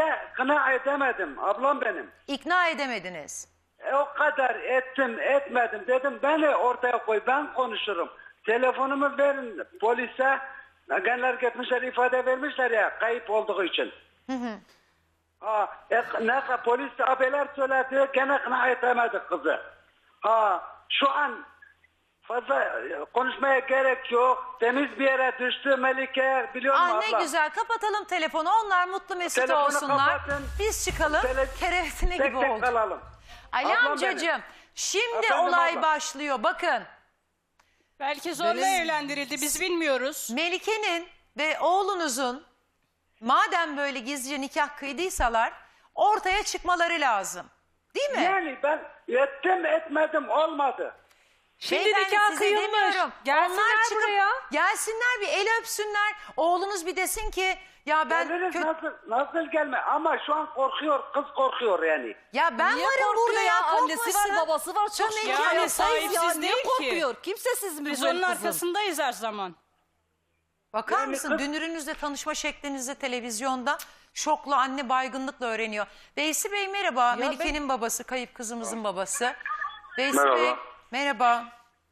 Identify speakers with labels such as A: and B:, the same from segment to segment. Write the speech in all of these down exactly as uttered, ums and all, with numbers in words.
A: Melike kına edemedim ablam benim.
B: İkna edemediniz.
A: E, o kadar ettim etmedim dedim beni ortaya koy ben konuşurum. Telefonumu verin polise. Genler gitmişler ifade vermişler ya kayıp olduğu için.
B: Hı hı.
A: Ha, e, ne polis abiler söyledi gene ikna edemedik kızı. Ha, şu an fazla konuşmaya gerek yok. Temiz bir yere düştü Melike biliyor musun
B: Ah
A: abla?
B: ne güzel kapatalım telefonu. Onlar mutlu mesut
A: Telefonu
B: olsunlar.
A: kapatın.
B: Biz çıkalım.
A: Tele-
B: Kerevesine
A: tek
B: gibi
A: tek
B: oldu.
A: kalalım.
B: Ali
A: Ablam
B: amcacığım
A: benim.
B: şimdi
A: Efendim
B: olay
A: abla.
B: başlıyor. Bakın
C: Belki zorla
B: Böyle-
C: evlendirildi biz bilmiyoruz.
B: Melike'nin ve oğlunuzun madem böyle gizlice nikah kıydıysalar ortaya çıkmaları lazım. Değil mi?
A: Yani ben ettim etmedim olmadı.
C: Şimdi
B: Beyefendi,
C: nikah
B: size
C: kıyılmış.
B: demiyorum.
C: Gelsinler
B: Onlar çıkıp
C: buraya.
B: Gelsinler bir el öpsünler. Oğlunuz bir desin ki ya ben
A: Geliriz
B: kö-
A: nasıl, nasıl gelme ama şu an korkuyor kız korkuyor yani.
B: ya ben
D: Niye
B: varım
D: korkuyor
B: burada ya,
D: Annesi var
B: korkmasın.
D: babası var çok
B: Tabii
D: şükür.
B: ki.
C: Yani
D: Yanındayız ya.
C: sahipsiz
D: Niye
C: değil ki.
D: korkuyor? Kimsesiz mi
C: Biz
D: benim
C: onun
D: kızım?
C: arkasındayız her zaman.
B: Bakar
A: Yani
B: mısın
A: kız-
B: dünürünüzle tanışma şeklinizde televizyonda şokla anne baygınlıkla öğreniyor. Veysi Bey merhaba. Melike'nin babası, kayıp kızımızın babası. Veysi
E: Merhaba.
B: Bey merhaba.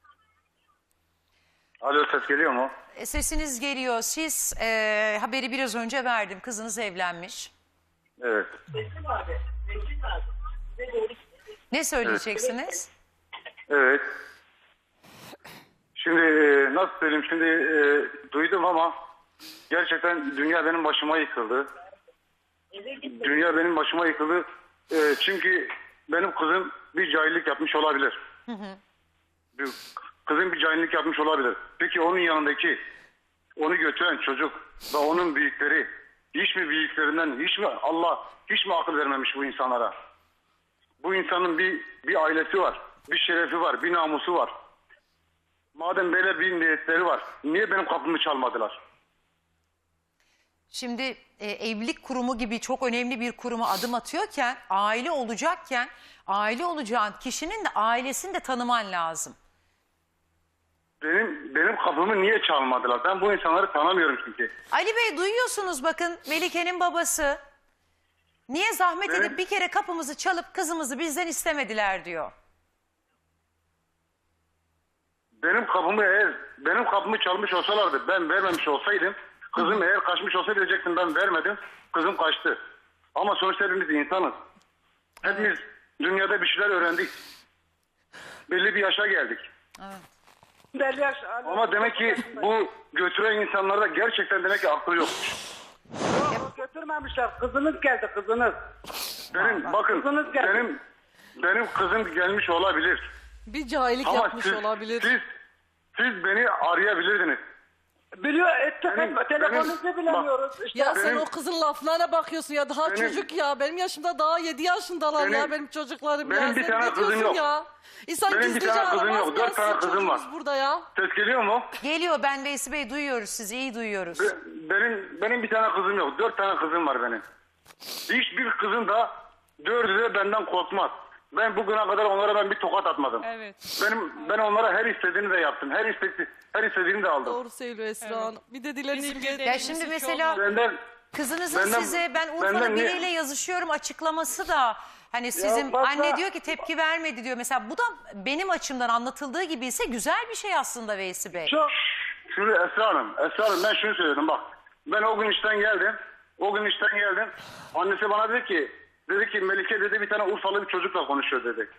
E: Alo ses geliyor mu?
B: E, Sesiniz geliyor. Siz e, haberi biraz önce verdim. Kızınız evlenmiş.
E: Evet.
B: Ne söyleyeceksiniz?
E: Evet. Şimdi e, nasıl söyleyeyim şimdi e, duydum ama gerçekten dünya benim başıma yıkıldı. Dünya benim başıma yıkıldı. E, çünkü benim kızım bir cahillik yapmış olabilir. Bir, kızım bir cahillik yapmış olabilir. Peki onun yanındaki onu götüren çocuk ve onun büyükleri hiç mi büyüklerinden hiç mi Allah hiç mi akıl vermemiş bu insanlara? Bu insanın bir bir ailesi var, bir şerefi var, bir namusu var. Madem böyle bir niyetleri var, niye benim kapımı çalmadılar?
B: Şimdi e, evlilik kurumu gibi çok önemli bir kuruma adım atıyorken, aile olacakken, aile olacağın kişinin de ailesini de tanıman lazım.
E: Benim benim kapımı niye çalmadılar? Ben bu insanları tanımıyorum çünkü.
B: Ali Bey duyuyorsunuz bakın Melike'nin babası. Niye zahmet
E: Evet.
B: edip bir kere kapımızı çalıp kızımızı bizden istemediler diyor.
E: Benim kapımı eğer benim kapımı çalmış olsalardı, ben vermemiş olsaydım, kızım eğer kaçmış olsa diyecektim ben vermedim, kızım kaçtı. Ama sonuçta hepimiz insanız. Hepimiz dünyada bir şeyler öğrendik. Belli bir yaşa geldik.
A: elli yaş,
E: Ama demek ki bu götüren insanlarda gerçekten demek ki aklı yok.
A: Yok, götürmemişler. Kızınız geldi kızınız.
E: Benim bakın
A: Kızınız geldi.
E: benim benim kızım gelmiş olabilir.
D: Bir cahillik
E: Ama
D: yapmış
E: siz,
D: olabilir.
E: siz siz beni arayabilirdiniz.
A: Biliyor ettik
E: Benim-
A: telefonunuzu
E: benim-
A: bilemiyoruz. İşte
D: Ya sen
E: Benim-
D: o kızın laflarına bakıyorsun ya daha
E: Benim-
D: çocuk ya. Benim yaşımda daha yedi yaşındalar
E: Benim-
D: ya benim çocuklarım
E: benim
D: ya.
E: bir
D: Sen
E: tane
D: ne
E: kızım
D: diyorsun
E: yok.
D: ya? İnsan
E: Benim bir
D: gizlice
E: tane kızım
D: aramaz
E: yok,
D: mı?
E: dört
D: Ya
E: tane
D: sizin
E: kızım var.
D: çocuğunuz burada ya.
E: Ses geliyor mu?
B: Geliyor ben Veysi Bey duyuyoruz sizi iyi duyuyoruz.
E: Be- Benim benim bir tane kızım yok. Dört tane kızım var benim. Hiçbir kızım da dördü de benden korkmaz. Ben bugüne kadar onlara ben bir tokat atmadım.
C: Evet.
E: Benim ben onlara her istediğini de yaptım. Her istedi her istediğini de aldım.
D: Doğru söylüyor Esra Hanım. Bir de dilerini
C: Bizim
D: bile...
C: de-
B: Ya şimdi
C: Hiç
B: mesela
C: olmadı.
E: Benden
B: kızınızın
E: benden-
B: size ben Urfalı
E: benden niye-
B: biriyle yazışıyorum açıklaması da hani sizin
A: fazla-
B: anne diyor ki tepki vermedi diyor. Mesela bu da benim açımdan anlatıldığı gibi ise güzel bir şey aslında Veysi Bey.
A: çok
E: Şimdi Esra Hanım, Esra Hanım ben şunu söylüyorum bak. Ben o gün işten geldim. O gün işten geldim. Annesi bana dedi ki, dedi ki Melike dedi bir tane Urfalı bir çocukla konuşuyor dedi.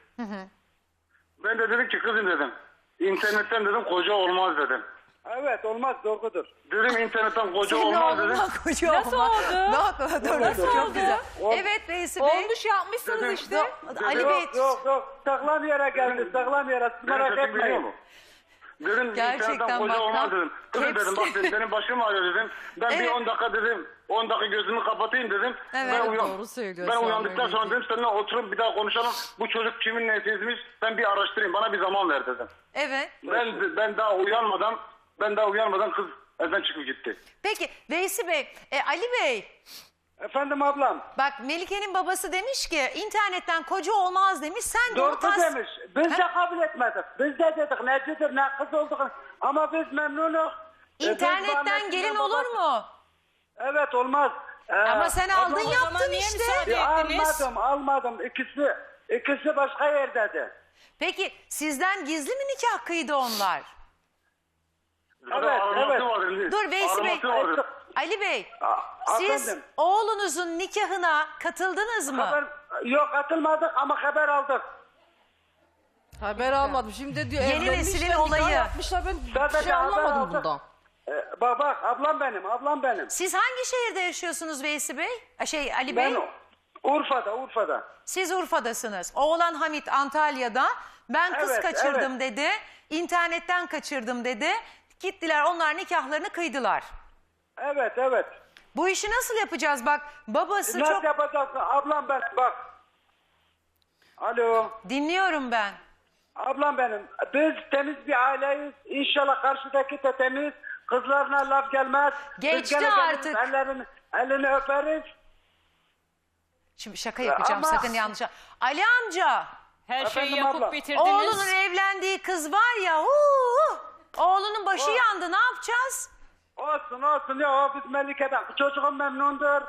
E: Ben de dedim ki kızım dedim. İnternetten dedim koca olmaz dedim.
A: evet olmaz doğrudur.
E: Dedim internetten koca
B: Senin
E: olmaz dedim.
B: oğlunla koca
C: Nasıl
B: olma.
C: oldu?
B: Ne yapma? Dur,
C: Nasıl
B: çok
C: oldu?
B: güzel.
A: Oldu.
B: Evet Veysi Bey.
D: Olmuş yapmışsınız
E: Dedim-
D: işte.
B: Do- Ali Bey
A: Yok yok yok sağlam yere geldi sağlam yere siz
E: Benim
A: merak
E: sesim geliyor
A: etmeyin.
E: mu? Dedim
B: Gerçekten
E: internetten koca
B: bak,
E: olmaz
B: tam
E: dedim. Kızım
B: hepsi-
E: dedim bak dedim, benim başım ağrıyor dedim. Ben bir
B: Evet.
E: on dakika dedim. on dakika gözümü kapatayım dedim.
B: Evet,
E: ben uyan,
D: doğru söylüyor
E: Ben
D: Esra
E: uyandıktan
D: Hanım,
E: sonra
D: öyle
E: dedim seninle oturup bir daha konuşalım. Bu çocuk kimin nesiymiş ben bir araştırayım. Bana bir zaman ver dedim.
B: evet.
E: Ben ben daha uyanmadan ben daha uyanmadan kız evden çıkıp gitti.
B: Peki Veysi Bey, e, Ali Bey
A: Efendim ablam.
B: bak Melike'nin babası demiş ki internetten koca olmaz demiş. Sen de
A: Doğru
B: onu tas-
A: demiş. Biz de kabul etmedik. Biz de dedik necidir ne kız olduk. Ama biz memnunuz. E, biz
B: İnternetten
A: annesinden
B: gelin
A: babası-
B: olur mu?
A: Evet olmaz. Ee,
B: Ama sen aldın
A: ablam-
C: O zaman
B: yaptın
C: niye
B: işte.
C: müsaade
A: Ya
C: ettiniz?
A: almadım almadım. İkisi, ikisi başka yerdedir.
B: Peki sizden gizli mi nikah kıydı onlar?
E: Zaten
A: Evet,
E: araması
A: evet.
E: vardır.
B: Dur Veysi Bey.
E: Araması vardır.
B: Ali Bey,
A: A-
B: siz
A: efendim?
B: oğlunuzun nikahına katıldınız mı?
A: Haber, yok atılmadık ama haber aldık.
D: Haber almadım. Şimdi diyor
B: Yeni
D: evlenmişler,
B: neslin
D: nikah
B: olayı.
D: yapmışlar. Ben
A: Sadece
D: bir şey
A: haber
D: anlamadım
A: aldık.
D: bundan.
A: Ee, bak bak ablam benim, ablam benim.
B: Siz hangi şehirde yaşıyorsunuz Veysi Bey? Ha, Şey Ali Bey.
A: Ben Urfa'da, Urfa'da.
B: Siz Urfa'dasınız. Oğlan Hamit Antalya'da. Ben kız
A: Evet,
B: kaçırdım
A: evet.
B: dedi. İnternetten kaçırdım dedi. Gittiler onlar nikahlarını kıydılar.
A: Evet, evet.
B: Bu işi nasıl yapacağız? Bak babası
A: Nasıl
B: çok...
A: yapacaksın? Ablam benim bak. Alo.
B: Dinliyorum ben.
A: Ablam benim. Biz temiz bir aileyiz. İnşallah karşıdaki de temiz. Kızlarına laf gelmez. Biz
B: Geçti
A: gene geliriz,
B: artık.
A: Ellerini, elini öperiz.
B: Şimdi şaka yapacağım
A: Ama-
B: sakın yanlış. Ali amca.
C: Her şeyi
A: Efendim
C: yapıp
A: abla.
C: bitirdiniz.
B: Oğlunun evlendiği kız var ya. huu, oğlunun başı
A: Oh.
B: yandı. Ne yapacağız?
A: Olsun olsun ya o biz Melike'den. Çocuğum memnundur.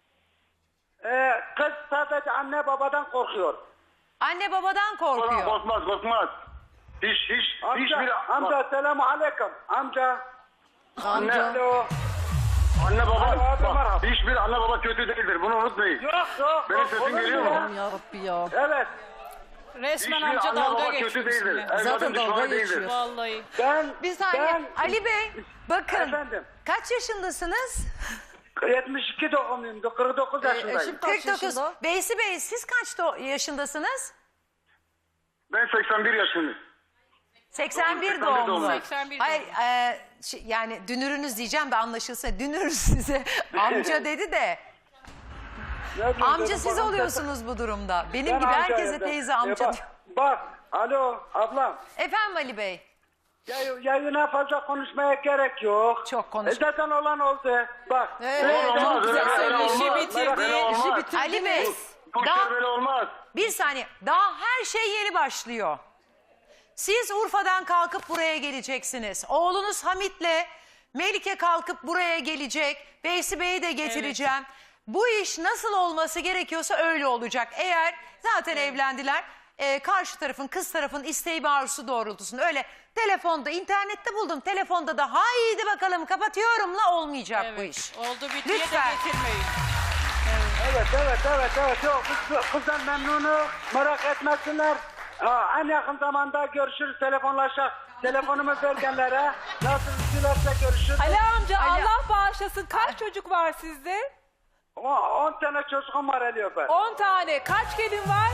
A: Ee, kız sadece anne babadan korkuyor.
B: Anne babadan
E: Korkmaz,
B: korkuyor.
E: korkmaz, korkmaz. Hiç, hiç,
A: Amca,
E: hiçbir...
A: amca selamu aleyküm. Amca.
D: Amca.
A: Alo.
E: Anne baba,
A: Alo, abi,
E: bak,
A: merhaba.
E: hiçbir anne baba kötü değildir. Bunu unutmayın.
A: Yok yok.
E: Benim
A: yok,
E: sesim
A: olur mu
E: geliyor
A: ya?
E: mu?
D: Aman yarabbi ya.
A: Evet.
C: Resmen
E: Hiçbir
C: amca
E: anne
C: dalga
E: baba
C: geçiyor
E: kötü değildir.
C: sizinle.
E: Evladın
D: Zaten
E: düşmanı
D: dalga
E: değildir.
D: geçiyor.
C: Vallahi.
A: Ben,
B: Bir saniye.
A: ben
B: Ali Bey bakın.
A: Efendim?
B: Kaç yaşındasınız?
A: yetmiş iki doğumluyum. kırk dokuz
D: Ee,
A: yaşındayım.
D: eşim kaç
B: kırk dokuz.
D: yaşında?
B: Veysi Bey siz kaç do- yaşındasınız?
E: Ben seksen bir yaşındayım.
B: seksen bir
E: seksen bir
B: doğumlu.
E: doğumlu.
C: seksen bir
B: Hayır, e, şey, yani dünürünüz diyeceğim de anlaşılsa dünürünüz size amca dedi de.
A: Ne diyorsun
B: Amca
A: dedim,
B: siz
A: bana-
B: oluyorsunuz bu durumda. Benim
A: Ben
B: gibi
A: amcayım
B: herkese
A: ben.
B: teyze
A: E
B: amca
A: bak,
B: diyor.
A: bak, alo ablam.
B: Efendim Ali Bey.
A: Yay- Yayına fazla konuşmaya gerek yok.
B: Çok konuş-
A: E zaten olan oldu. Bak.
D: Evet,
A: ben-
D: evet,
A: ben-
D: çok güzel
A: ben-
D: söylüyor.
C: İşi
A: Merak-
C: bitirdi.
A: merak-
E: Böyle
D: İşi
E: olmaz.
D: bitirdi.
B: Ali Bey.
E: Bu
B: Daha,
E: işler böyle olmaz.
B: bir saniye. Daha her şey yeni başlıyor. Siz Urfa'dan kalkıp buraya geleceksiniz. Oğlunuz Hamit'le Melike kalkıp buraya gelecek. Veysi Bey'i de getireceğim. Bu iş nasıl olması gerekiyorsa öyle olacak. Eğer zaten evlendiler. e, karşı tarafın, kız tarafın isteği ve arzusu doğrultusunda öyle telefonda, internette buldum. Telefonda da haydi bakalım kapatıyorumla olmayacak bu
C: Evet.
B: iş.
C: Oldu bittiye de
B: Lütfen.
C: getirmeyin.
A: Evet, evet, evet, evet. Yok, kız, kızdan memnunu. Merak etmesinler. Ha, en yakın zamanda görüşürüz, telefonlaşak. Telefonumu vergenlere. Nasıl istiyorlarsa görüşürüz.
F: Ali amca
B: Ali-
F: Allah bağışlasın. Kaç çocuk var sizde?
A: on tane çocuğum var Eliyor ben.
F: on tane. Kaç gelin var?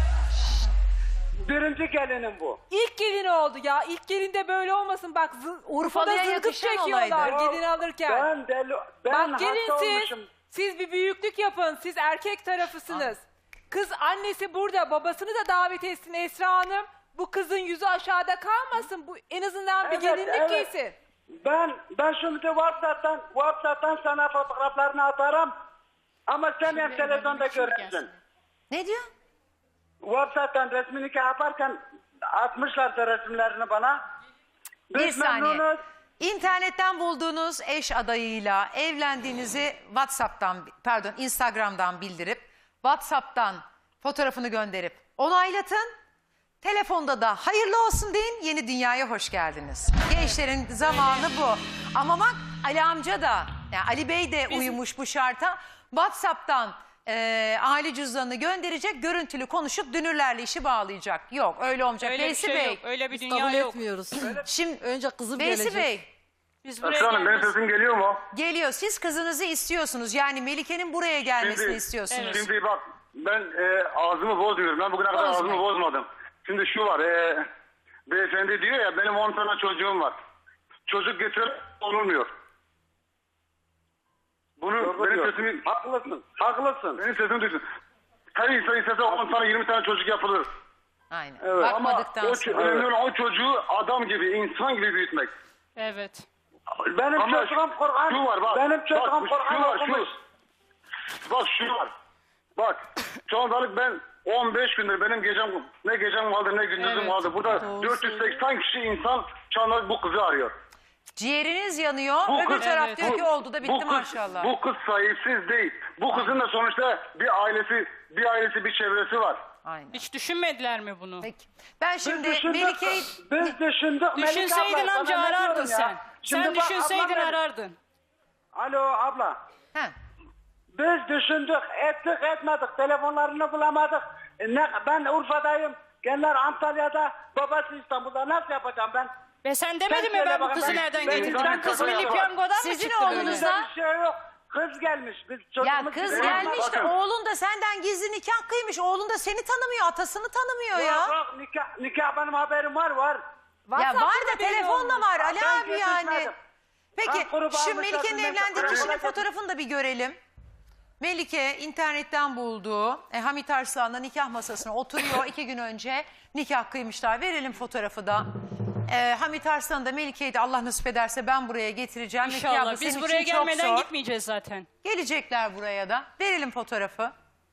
A: Birinci gelinim bu.
F: İlk gelin oldu ya. İlk gelinde böyle olmasın. Bak zı- Urfa'da
B: Urfalı'ya
F: zılgıt
B: yakışan
F: çekiyorlar
B: olaydı.
F: gelin alırken.
A: Ben deli, ben
F: Bak gelin
A: hasta
F: siz.
A: olmuşum.
F: Siz bir büyüklük yapın. Siz erkek tarafısınız. Kız annesi burada. Babasını da davet etsin Esra Hanım. Bu kızın yüzü aşağıda kalmasın. Bu en azından bir
A: Evet,
F: gelinlik
A: evet.
F: giysin.
A: Ben ben şimdi WhatsApp'tan WhatsApp'tan sana fotoğraflarını atarım. Ama sen hem televizyonda görürsün.
B: Ne diyor?
A: WhatsApp'tan resmi nikah yaparken atmışlardı resimlerini bana.
B: Bir
A: Biz
B: saniye.
A: memnunuz.
B: İnternetten bulduğunuz eş adayıyla evlendiğinizi WhatsApp'tan, pardon Instagram'dan bildirip WhatsApp'tan fotoğrafını gönderip onaylatın. Telefonda da hayırlı olsun deyin, yeni dünyaya hoş geldiniz. Gençlerin zamanı bu. Ama bak Ali amca da, yani Ali Bey de uyumuş bu şarta. WhatsApp'tan e, aile cüzdanını gönderecek, görüntülü konuşup dünürlerle işi bağlayacak. Yok öyle olmayacak.
C: Öyle bir
B: Veysi
C: şey
B: Bey,
C: yok. Öyle bir
D: Biz
C: dünya
D: kabul
C: yok.
D: etmiyoruz.
B: şimdi
D: Önce kızım
B: Veysi
D: gelecek.
B: Bey
C: Biz buraya
E: Esra Hanım benim
C: gelmez.
E: sesim geliyor mu?
B: geliyor. Siz kızınızı istiyorsunuz. Yani Melike'nin buraya gelmesini istiyorsunuz.
E: Şimdi bak ben e, ağzımı bozmuyorum. Ben bugüne kadar
B: Bozmayın.
E: ağzımı bozmadım. Şimdi şu var. E, beyefendi diyor ya benim on tane çocuğum var. Çocuk getirip olmuyor. Bunu
A: Doğru
E: benim
A: diyor.
E: sesimi
A: Haklısın. Haklısın.
E: benim sesimi duysun. Her insan istese on tane yirmi tane çocuk yapılır.
B: Aynen.
A: Evet.
E: Ama
B: Bakmadıktan
E: o, ço-
B: sonra.
E: önemli olan o çocuğu adam gibi, insan gibi büyütmek.
C: Evet.
A: Benim
E: Ama
A: çocuğum Kur'an.
E: şu var bak.
A: Benim çocuğum
E: bak,
A: Kur'an
E: şu var,
A: okumuş.
E: şu. Bak şu var. Bak şu andalık ben on beş gündür benim gecem ne gecem kaldı ne gündüzüm
C: Evet,
E: kaldı. Burada
D: doğru
E: dört yüz seksen kişi insan şu andalık bu kızı arıyor.
B: Ciğeriniz yanıyor.
E: Bu
B: Öbür
E: kız-
B: taraf
C: Evet.
B: diyor ki oldu da bitti
E: bu kız,
B: maşallah.
E: Bu kız sahipsiz değil. Bu kızın da sonuçta bir ailesi, bir ailesi, bir çevresi var.
B: Aynen.
C: Hiç düşünmediler mi bunu?
B: Peki. Ben
A: Biz
B: şimdi
A: düşündük,
B: Melike'yi...
A: biz düşündük. Melike
C: Düşünseydin
A: abla,
C: amca
A: sana ne
C: arardın
A: diyorum ya?
C: sen.
A: Şimdi
C: Sen
A: bak,
C: düşünseydin
A: ablam benim-
C: arardın.
A: Alo abla.
B: Heh.
A: Biz düşündük, ettik etmedik, telefonlarını bulamadık. E, Ne, ben Urfa'dayım, gençler Antalya'da, babası İstanbul'da. Nasıl yapacağım ben?
C: Ve sen demedin
A: Sen
C: mi
A: söyle
C: ben bu
A: bakalım,
C: kızı
A: ben-
C: nereden
A: ben-
C: getirdim?
A: ben-
C: Kız
A: ben-
C: milli
A: ben-
C: piyangodan mı
B: Sizin
C: çıktı
B: oğlunuz
C: böyle?
B: da-
A: Bizde bir şey yok. Kız gelmiş. Biz
B: Ya
A: çocuğumuz
B: kız
A: gibi-
B: gelmiş de
E: bakın.
B: oğlun da senden gizli nikah kıymış. Oğlun da seni tanımıyor, atasını tanımıyor ya.
A: Yok yok, nikah, nikah benim haberim var var.
B: Ya var da
F: benim
B: telefonla var Ali
A: Ben
B: abi yani.
A: getirmedim.
B: Peki
A: Ben grubu
B: şu
A: almışlar,
B: Melike'nin
A: bilmem-
B: evlendiği
A: Ben-
B: kişinin
A: Ben-
B: fotoğrafını da bir görelim. Melike internetten bulduğu e, Hamit Arslan'la nikah masasına oturuyor. iki gün önce nikah kıymışlar. Verelim fotoğrafı da. E, Hamit Arslan da Melike'yi de Allah nasip ederse ben buraya getireceğim. Melike abla,
C: İnşallah.
B: senin
C: Biz buraya
B: için çok
C: gelmeden
B: zor.
C: gitmeyeceğiz zaten.
B: Gelecekler buraya da. Verelim fotoğrafı.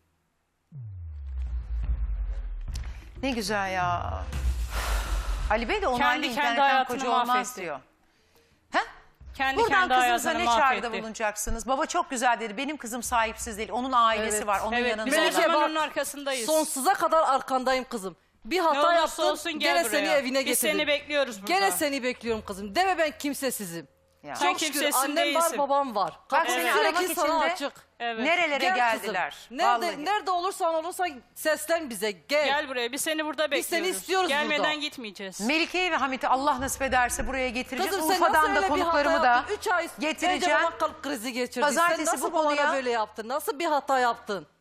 B: Ne güzel ya. Ali Bey de onaylı
C: Kendi kendi
B: internetten
C: hayatını
B: koca olmaz
C: mahvetti.
B: diyor. He?
C: Kendi
B: Buradan
C: kendi
B: kızınıza
C: hayatını
B: ne çağrıda
C: mahvetti.
B: bulunacaksınız? Baba çok güzel dedi. Benim kızım sahipsiz değil. Onun ailesi
D: Evet.
B: var. Onun
C: Evet,
B: yanında.
C: biz her
D: Melike
C: zaman
D: bak,
C: onun arkasındayız.
D: Sonsuza kadar arkandayım kızım. Bir
C: Ne
D: hata
C: olursa
D: yaptın,
C: olsun gel
D: gene
C: buraya.
D: seni evine
C: Biz
D: getirdim.
C: seni bekliyoruz burada.
D: Gene seni bekliyorum kızım. Deme ben kimsesizim.
B: Ya.
C: Sen
D: Çok şükür
C: kimsesin
D: annem
C: değilsin.
D: var, babam var.
B: Bak
D: Kapı
B: seni
D: sürekli
B: aramak için
D: sana
B: de
D: açık.
C: Evet.
B: nerelere
D: Gel
B: geldiler.
D: kızım. Nerede,
B: Vallahi.
D: nerede olursan olursan seslen bize. Gel.
C: Gel buraya. Biz seni burada
D: Biz seni
C: bekliyoruz.
D: istiyoruz
C: Gelmeden
D: burada.
C: gitmeyeceğiz.
B: Melike'yi ve Hamit'i Allah nasip ederse buraya getireceğiz.
D: Kızım sen
B: Urfa'dan
D: nasıl
B: da
D: öyle bir hata
B: konuklarımı da
D: yaptın? Üç ay
B: getireceğim.
D: önce bana kalp krizi geçirdin.
B: Pazartesi
D: sen nasıl
B: bu konuya-
D: bana böyle yaptın? Nasıl bir hata yaptın?